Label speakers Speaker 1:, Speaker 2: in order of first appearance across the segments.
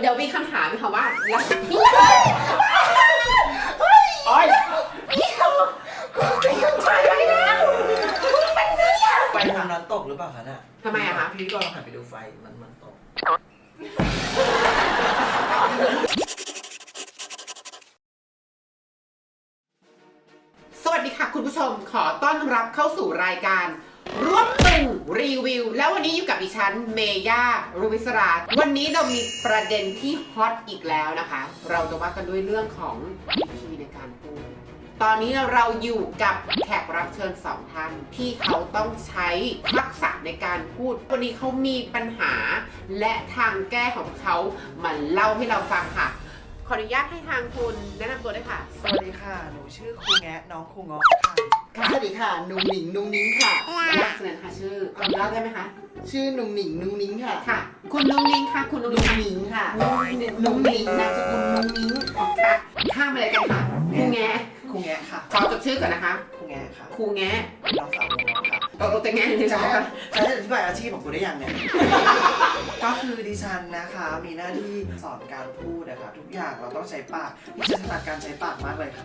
Speaker 1: ดี๋ยวมีคำถามค่ะว่าแล้ว
Speaker 2: โอ๊ยไฟทางนั้นตกหรือเปล่าคะเนี่ย
Speaker 1: ทำไมอะคะ
Speaker 2: พี่ก็ลองหันไปดูไฟมันตก
Speaker 1: สวัสดีค่ะคุณผู้ชมขอต้อนรับเข้าสู่รายการรวบตึงรีวิวแล้ววันนี้อยู่กับดิฉันเมย่ารุวิศราวันนี้เรามีประเด็นที่ฮอตอีกแล้วนะคะ เราจะว่ากันด้วยเรื่องของวิธีในการพูดตอนนี้เราอยู่กับแขกรับเชิญ2ท่านที่เขาต้องใช้ทักษะในการพูดวันนี้เขามีปัญหาและทางแก้ของเขามาเล่าให้เราฟังค่ะขออนุญาตให้ทางคุณแนะนำตัวด้วยค่ะ
Speaker 2: สวัสดีค่ะ หนูชื่อครูแงะน้องครูเงาะค่ะ
Speaker 3: สวัสดีค่ะนุ่งหนิงนุ่งนิ้งค่ะ
Speaker 1: ลักษณะค่ะชื่อเล่าได้ไหมคะ
Speaker 3: ชื่อนุ่งหนิงนุ่งนิ้งค่ะ
Speaker 1: ค่ะ คุณนุ้งนิ้งค่ะ คุณนุ้ง
Speaker 3: นุ่
Speaker 1: นิ้งค่ะ
Speaker 3: งหนิงค่ะนุ่งหนิงนามสกุลนุ่งนิ้ง
Speaker 1: ค่ะข้ามไปเลยกันค่ะครูแงะ
Speaker 2: ครูแงะค่ะ
Speaker 1: ขอจดชื่อก่อนนะคะ
Speaker 2: ครูแงะค่ะ
Speaker 1: ครูแงะ
Speaker 2: น้องสาวครูเงาะค่ะ
Speaker 1: เราจะแงะนิดนึง
Speaker 2: จะ
Speaker 1: นะ
Speaker 2: ให้
Speaker 1: คะ
Speaker 2: จะให้อธิบายอาชีพของกูได้ยังเนี่ย ก็คือดิฉันนะคะมีหน้าที่สอนการพูดนะคะทุกอย่างเราต้องใช้ปากดิฉันถนัดการใช้ปากมากเลยค่ะ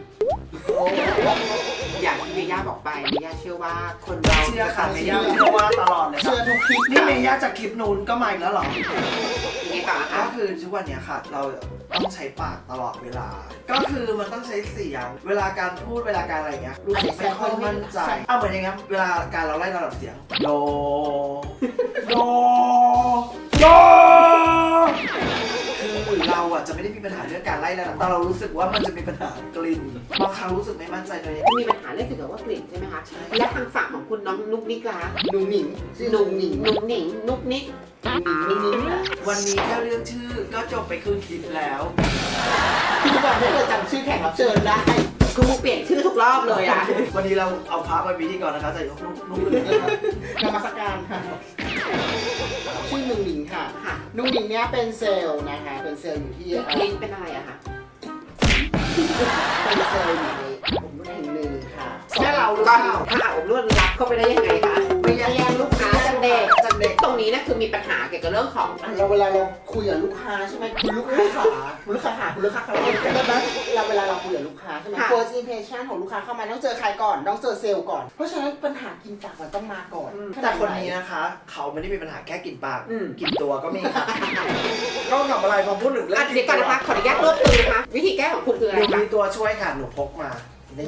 Speaker 1: อย่างที่เมย่าบอกไปเมย่าเชื่อว่าคนเรา
Speaker 2: เชื่อค่ะเมย่าเชื่อว่าตลอดเลยค่ะ
Speaker 3: เชื่อทุกคลิป
Speaker 2: นี่เมย่าจากคลิปนู้นก็มาอีกแล้วเหรอ
Speaker 1: ยังไงต่อนะคะ
Speaker 2: ก็คือทุกวันเนี้ยค่ะ เราต้องใช้ปากตลอดเวลา ก็คือมันต้องใช้เสียง เวลาการพูดเวลาการอะไรเงี้ยรู้สึกไม่ค่อยมั่นใจเหมือนอย่างเงี้ยเวลาการเราไล่ระดับเสียงโดโดโดคือเราอ่ะจะไม่ได้มีปัญหาเรื่องการไล่ระดับแต่เรารู้สึกว่ามันจะมีปัญหากลิ่นบางครั้งรู้สึกไม่มั่นใจตัวเอง
Speaker 1: มีปัญหาเรื่องเกี่ยวกับว่ากลิ่นใช่ไหมคะและทางฝั่งของคุณน้องนุ๊กนิกล่ะ
Speaker 3: นุ่งหนิงชื่อ
Speaker 1: นุ๊
Speaker 3: นุ่
Speaker 1: ก
Speaker 3: งหนิง
Speaker 1: นุ๊กหนิงนุ๊กนิก
Speaker 3: นุ่งหนิงค่ะ
Speaker 2: วันนี้แค่เรื่องชื่อก็จบไปครึ่งคลิปแล้ว
Speaker 3: ทุกวันไม่เคยจำชื่อแขกรับเชิญได้
Speaker 1: คือมูเปลี่ยนชื่อทุกรอบเลยอ่ะ
Speaker 2: วันนี้เราเอาพระมาพิธีก่อนนะคะแต่ยกลูกเลยนะครับ
Speaker 3: นมัสการค่ะ ชื่อนุ่งหนิงค่ะ
Speaker 1: ค่ะ
Speaker 3: นุ่งหนิงเนี้ยเป็นเซลล์นะคะ เป็นเซลล์อยู่ที่
Speaker 1: ลิ้นเป็นอะไรอะคะ
Speaker 3: เป็นเซลล์อยู่ในผมรุ่นแห่งหนึ่งค่ะ
Speaker 2: แม่เราหรือ
Speaker 1: ก็
Speaker 2: เปล่า
Speaker 1: ถ้าอบนวดรับเข้าไปได้ยังไงคะ
Speaker 3: ไม่แย่งลูกค้า
Speaker 1: จากเด็ก
Speaker 3: จากเด็ก
Speaker 1: ตรงนี้นะคือมีปัญหาเกี่ยวกับเรื่องของ
Speaker 3: เราเวลาเราคุยกับลูกค้าใช่ไหมคุณลูกค้าขาคุณลูกค้าขาคุณลูกค้าขาเราเวลาเราคุยกับลูกค้าใช่ไหม first impression ของลูกค้าเข้ามาต้องเจอใครก่อนต้องเจอเซลล์ก่อน เพราะฉะนั้นปัญหากินปากมันต้องมาก่อน
Speaker 2: แต่คนนี้นะคะ เขาไม่ได้มีปัญหาแค่กลิ่นปาก
Speaker 1: อืม
Speaker 2: กลิ่นตัวก็มีค่ะก็ทำอะไรพอพูดถึงเรื่
Speaker 1: อ่ะ
Speaker 2: อง
Speaker 1: เดี๋ยวก่อนนะคะขออนุญาตรวบตึงนะคะ วิธีแก้ของคุณคือ
Speaker 2: ห
Speaker 1: อะไร
Speaker 2: นู
Speaker 1: คะ
Speaker 2: มีตัวช่วยค่ะหนูพกมานี่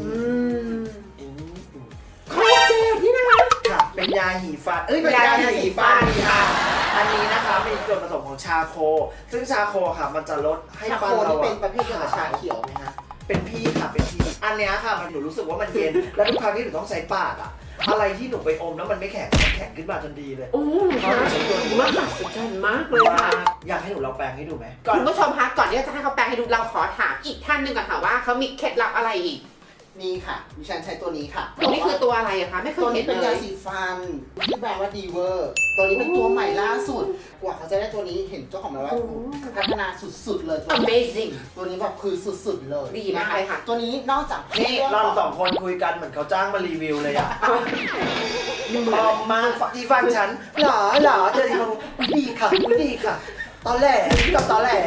Speaker 1: โคตรเจ็บนี่นะคะ
Speaker 2: ค่ะเป็นยาหีฟันเป็น
Speaker 1: ยาหีฟันค่ะ
Speaker 2: อันนี้นะคะมีส่วนผสมของชาโค ซึ่งชาโคค่ะมันจะลดให้
Speaker 3: ชา
Speaker 2: ฟั
Speaker 3: โคน
Speaker 2: เรา
Speaker 3: นี่เป็นประเภทเดียวกับชาเขียวไหมคะ
Speaker 2: เป็นพี่ค่ะเป็นพี่อันเนี้ยค่ะมันหนูรู้สึกว่ามันเย็น และทุกครั้งที่หนูต้องใช้ปากอะอะไรที่หนูไปอมแล้วมันไม่แข็งมันแข็งขึ้นมาทันทีเลย
Speaker 1: โอ้ยค่ะมากสุดยอดมากเลยค่ะ
Speaker 2: อยากให้หนูลองแปลงให้ดูไหม
Speaker 1: คุณผู้ชมคะก่อนที่จะให้เขาแปลให้ดูเราขอถามอีกท่านหนึ่งก่อนค่ะว่าเขามีเคล็ดลับอะไรอีก
Speaker 3: นี่ค่ะดิฉันใช้ตัวนี้ค่ะ
Speaker 1: ตัวนี้คือตัวอะไรอะคะไม่เคย
Speaker 3: ตัว
Speaker 1: เห็
Speaker 3: นี้
Speaker 1: น
Speaker 3: เป็น
Speaker 1: เลย
Speaker 3: าย สีฟันที่แบรนด์ว่าดีเวอร์ตัวนี้เป็นตัวใหม่ล่าสุด กว่าเขาจะได้ตัวนี้เห็นเจ้าของมาว่าพัฒนาสุดๆเลยตัวนี้
Speaker 1: Amazing
Speaker 3: ตัวนี้แบบคือสุดๆเลย
Speaker 1: ดีมากเลยค่ะ
Speaker 3: ตัวนี้นอกจาก
Speaker 2: นี่เราสองคนคุยกันเหมือนเขาจ้างมารีวิวเลยอะ ปลอมมากที่ฟังฉันหรอเจอที่ฟังดีค่ะดีค่ะ ตอนแหลกับตอนแหล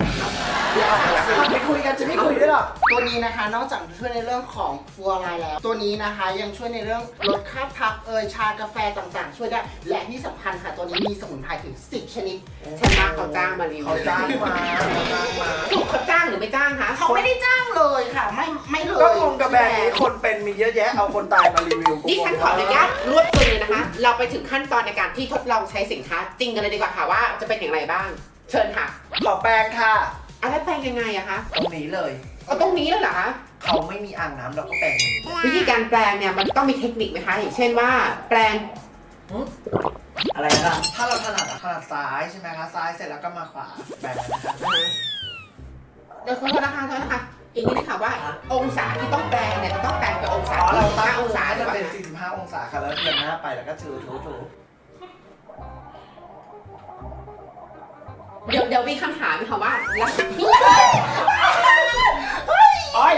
Speaker 2: ไม่คุยกันจะไม่คุยด้วยหรอ
Speaker 3: ตัวนี้นะคะ นอกจากช่วยในเรื่องของฟัวไลน์แล้ว ตัวนี้นะคะยังช่วยในเรื่องลดค่าพักชากาแฟต่างๆ ช่วยได้และที่สำคัญค่ะตัวนี้มีสมุนไพรถึง10ชนิด
Speaker 1: ฉันว่าเขาจ้างมารีวิว
Speaker 2: เขาจ้างมา
Speaker 1: ถูกเขาจ้างหรือไม่จ้างคะ
Speaker 3: เขาไม่ได้จ้างเลยค่ะไม่เลย
Speaker 2: ก็คงกับแบรนด์นี้คนเป็นมีเยอะแยะเอาคนตายมารีวิว
Speaker 1: ดิฉันขออนุญาตรวบตึงเลยนะคะ เราไปถึงขั้นตอนในการที่ทดลองใช้สินค้าจริงกันเลยดีกว่าค่ะว่าจะเป็นอย่างไรบ้าง เชิญค่ะ
Speaker 2: ขอแปลงค่ะ
Speaker 1: อะไรแปลงยังไงอะคะ
Speaker 2: ตรงนี้เลย
Speaker 1: เอาตรงนี้แล้วเหรอคะ
Speaker 2: เขาไม่มีอ่างน้ำเราก็แปลงนี้
Speaker 1: วิธีการแปลงเนี่ยมันต้องมีเทคนิคไหมคะ อย่างเช่นว่าแปลง
Speaker 2: อะไรนะถ้าเราถนัดซ้ายใช่ไหมคะซ้ายเสร็จแล้วก็มาขวาแปลงนะคะ
Speaker 1: เดี๋ยวขอโทษนะคะอีกนิดนึงค่ะว่า องศาที่ต้องแปลงเนี่ยจะต้องแปลงเป็นองศา
Speaker 2: อ๋อเราตั้ง
Speaker 1: 45องศา
Speaker 2: ให้
Speaker 1: หรื
Speaker 2: มั
Speaker 1: อน เปล่า
Speaker 2: เป็น
Speaker 1: คะ
Speaker 2: 45 องศาค่ะแล้วเดินหน้าไปแล้วก็ถู
Speaker 1: เดี๋ยวมีคำถามค่ะว่าแล้ว
Speaker 2: โอ๊ย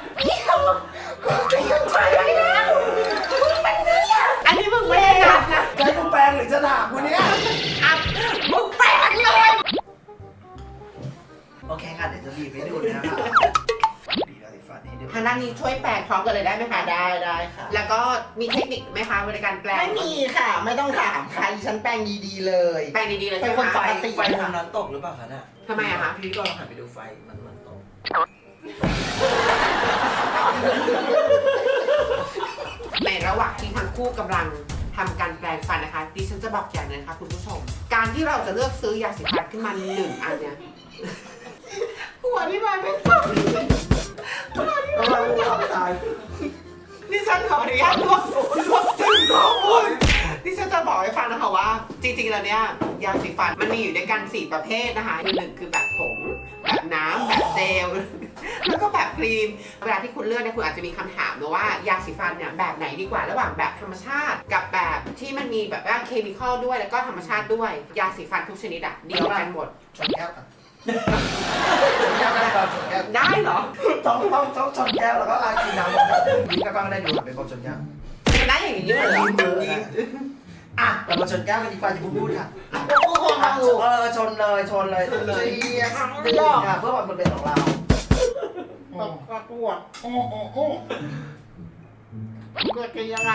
Speaker 1: อันนี้มึงไม่ได้นัดนะ
Speaker 2: จะให้กูแปลงหรือจะถามกูเนี่ย
Speaker 1: อ่ะมึงแปลงเลย
Speaker 2: โอเคค่ะเดี๋ยวจะบีบให้ดูเลยนะคะบีบยาสีฟันให้ดู
Speaker 1: ทางด้านนี้ช่วยแปลงพร้อมกันเลยได้ไหมคะ
Speaker 3: ได้ค่ะ
Speaker 1: แล้วก็มีเทคนิคไหมคะในการแปลง
Speaker 3: ไม่มีค่ะ ไม่ต้องถามใครฉันแปลงดีๆเลย
Speaker 1: แปลงดีๆเลย
Speaker 3: เป็
Speaker 1: ใช่
Speaker 3: น
Speaker 1: ไหม
Speaker 3: คนป
Speaker 1: คะ
Speaker 3: กติ
Speaker 2: ไฟมุมนั้นตกหรือเปล่าคะเนี่ย
Speaker 1: ทำไมอะคะ
Speaker 2: พี่ก็ลองหันไปดูไฟมันตก
Speaker 1: ในระหว่างที่ทั้งคู่กำลังทำการแปลงฟันนะคะดิฉันจะบอกอย่างหนึงนะคะคุณผู้ชม การที่เราจะเลือกซื้อยาสีฟันขึ้นมา1 อันเนี่ยหัวที่มันไม่จบ
Speaker 2: แล้วเราทำตาย
Speaker 1: ดิฉันขออนุญาตรวบตึงข้อมูลดิฉันจะบอกให้ฟังนะคะว่า จริงๆแล้วเนี่ยยาสีฟันมันมีอยู่ด้วยกัน4 ประเภทนะคะคือ1คือแบบผงแบบน้ำแบบเจลแล้วก็แบบครีมเวลาที่คุณเลือกเนี่ยคุณอาจจะมีคำถามนะว่ายาสีฟันเนี่ยแบบไหนดีกว่าระหว่างแบบธรรมชาติ กับแบบที่มันมีแบบว่าเคมีคอลด้วยแล้วก็ธรรมชาติด้วยยาสีฟันทุกชนิดอะเดียวกันหมด
Speaker 2: ชนแก้วกันชนแก้วก็ได้ก่อนชนแก้ว
Speaker 1: ได้เหรอ
Speaker 2: ต้องชนแก้วแล้วก็ล้างกินน้ำก่อนยิ้มก็ได้ดูเป็นคนชนแก้ว
Speaker 1: มันได้อย่างนี้เลยเหรอ
Speaker 2: อ่ะเรามาชนแก้วกันดีกว่าอย่าพูดค่ะ
Speaker 3: โอ้โหทางลูก
Speaker 2: ชนเลยเพื่อความเป็นของเรา
Speaker 3: ประกวดเกิดกันยังไง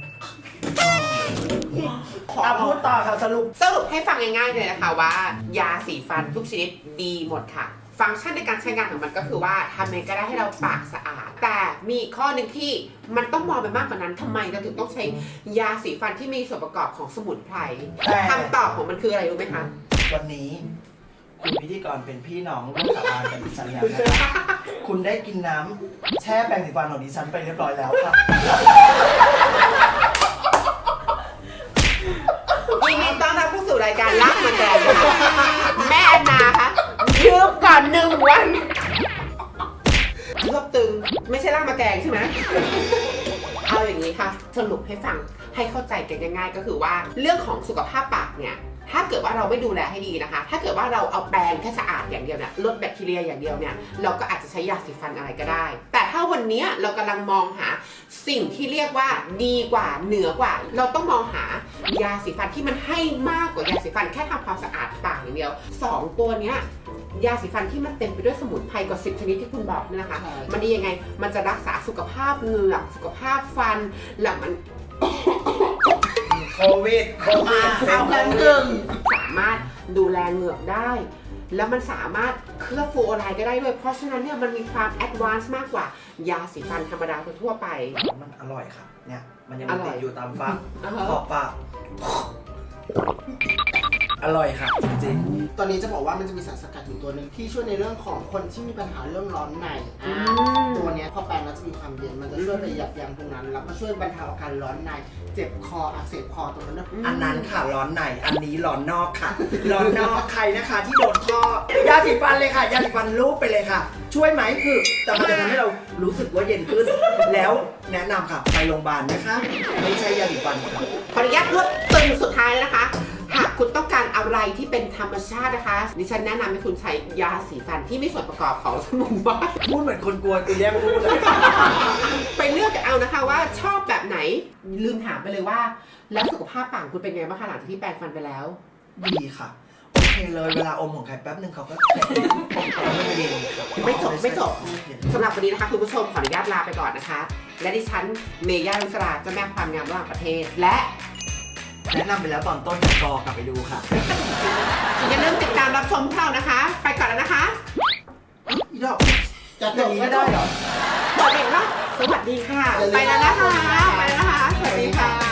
Speaker 2: พูดต่อค่ะสรุป
Speaker 1: สรุปให้ฟังง่ายๆเลยนะคะว่ายาสีฟันทุกชนิดดีหมดค่ะ ฟังก์ชันในการใช้งานของมันก็คือว่าทำยังไงก็ได้ให้เราปากสะอาด แต่มีข้อหนึ่งที่มันต้องมองไปมากกว่านั้นทำไมเราถึงต้องใช้ยาสีฟันที่มีส่วนประกอบของสมุนไพรคำตอบของมันคืออะไรรู้ไหมคะ
Speaker 2: วันนี้คุณพิธีกรเป็นพี่น้องร่วมสาบานกับดิฉันแล้วนะคะคุณได้กินน้ำแช่แปรงสีฟันของดิฉันไปเรียบร้อยแล้วค่ะ
Speaker 1: ยินดีต้อนรับผู้สู่รายการรักมาแดงค่ะแม่แอนนาคะยืมก่อน1 วันรวบตึงไม่ใช่ร่างมาแกงใช่ไหมเอาอย่างนี้ค่ะสรุปให้ฟังให้เข้าใจกันง่ายๆก็คือว่าเรื่องของสุขภาพปากเนี่ยถ้าเกิดว่าเราไม่ดูแลให้ดีนะคะถ้าเกิดว่าเราเอาแปรงแค่สะอาดอย่างเดียวเนี่ยลดแบคทีเรียอย่างเดียวเนี่ยเราก็อาจจะใช้ยาสีฟันอะไรก็ได้ แต่ถ้าวันนี้เรากำลังมองหาสิ่งที่เรียกว่าดีกว่าเหนือกว่า เราต้องมองหายาสีฟันที่มันให้มากกว่ายาสีฟันแค่ทำความสะอาดปากอย่างเดียว2 ตัวเนี้ยยาสีฟันที่มันเต็มไปด้วยสมุนไพรกว่า10 ชนิดที่คุณบอกเนี่ยนะคะ มันดียังไงมันจะรักษาสุขภาพเหงือกสุขภาพฟันหลังมัน
Speaker 2: โควิด
Speaker 1: เอากันสามารถดูแลเหงือกได้ แล้วมันสามารถเคลือบฟลูออไรด์ก็ได้ด้วยเพราะฉะนั้นเนี่ยมันมีความแอดวานซ์มากกว่ายาสีฟันธรรมดาทั่วไป
Speaker 2: มันอร่อยค่ะเนี่ยมันยังติดอยู่ตามฟัน
Speaker 1: อ่าฮะ
Speaker 2: ขอบปากอร่อยค่ะจริง
Speaker 3: ตอนนี้จะบอกว่ามันจะมีสารสกัดอยู่ตัวหนึ่งที่ช่วยในเรื่องของคนที่มีปัญหาเรื่องร้อนในตัวเนี้ยพอแปรงแล้วจะมีความเย็นมันจะช่วยไปยับยั้งตรงนั้น แล้วก็ช่วยบรรเทาอาการร้อนในเจ็บคออักเสบคอตรงนั้นนะ
Speaker 2: อันนั้นค่ะร้อนในอันนี้ร้อนนอกค่ะ ร้อนนอกใครนะคะที่โดนท่อยาสีฟันเลยค่ะยาสีฟันลูบไปเลยค่ะ ช่วยไหมคือแต่มันจะทำให้เรารู้สึกว่าเย็นขึ้น แล้วแนะนำค่ะไปโรงพยาบาลนะคะ ไม่ใช่ยาสีฟันค่ะ
Speaker 1: ขออนุญาตรวบตึงสุดท้ายนะคะหากคุณต้องการอะไรที่เป็นธรรมชาตินะคะดิฉันแนะนำให้คุณใช้ยาสีฟันที่มีส่วนประกอบของสมุนไพร
Speaker 2: พูดเหมือนคนกลัวกูแย่งพูดเลย
Speaker 1: ไปเลือกกันเอานะคะว่าชอบแบบไหนลืมถามไปเลยว่า แล้วสุขภาพปากคุณเป็นไงบ้างคะหลังจากที่แปรงฟันไปแล้ว
Speaker 2: ดีค่ะโอเคเลยเวลาอมของใครแป๊บนึงเขาก็อมไม่เย็นค่ะ
Speaker 1: ไม่จบสำหรับวันนี้นะคะคุณผู้ชมขออนุญาตลาไปก่อนนะคะ และดิฉันเมย่าลุสราเจ้าแม่ความงามระหว่างประเทศและ
Speaker 2: แนะนำไปแล้วตอนต้นอย่ากอกลับไปดูค่ะ
Speaker 1: อย่าลืมติดตามรับชมพวกเรานะคะ ไปก่อนแล้วนะคะ
Speaker 2: อีดอก
Speaker 3: จะ
Speaker 2: อ
Speaker 3: จ
Speaker 2: ย่า
Speaker 3: บ
Speaker 2: งนี้
Speaker 3: ไม่
Speaker 2: ไม่
Speaker 3: ได้
Speaker 2: ได้
Speaker 3: เห
Speaker 2: เห
Speaker 3: ร
Speaker 2: ร
Speaker 3: อ
Speaker 2: อ
Speaker 1: เปิดเองเนาะสวัสดีค่ะ ไปแล้วนะคะ ไปแล้วนะคะ สวัสดีค่ะ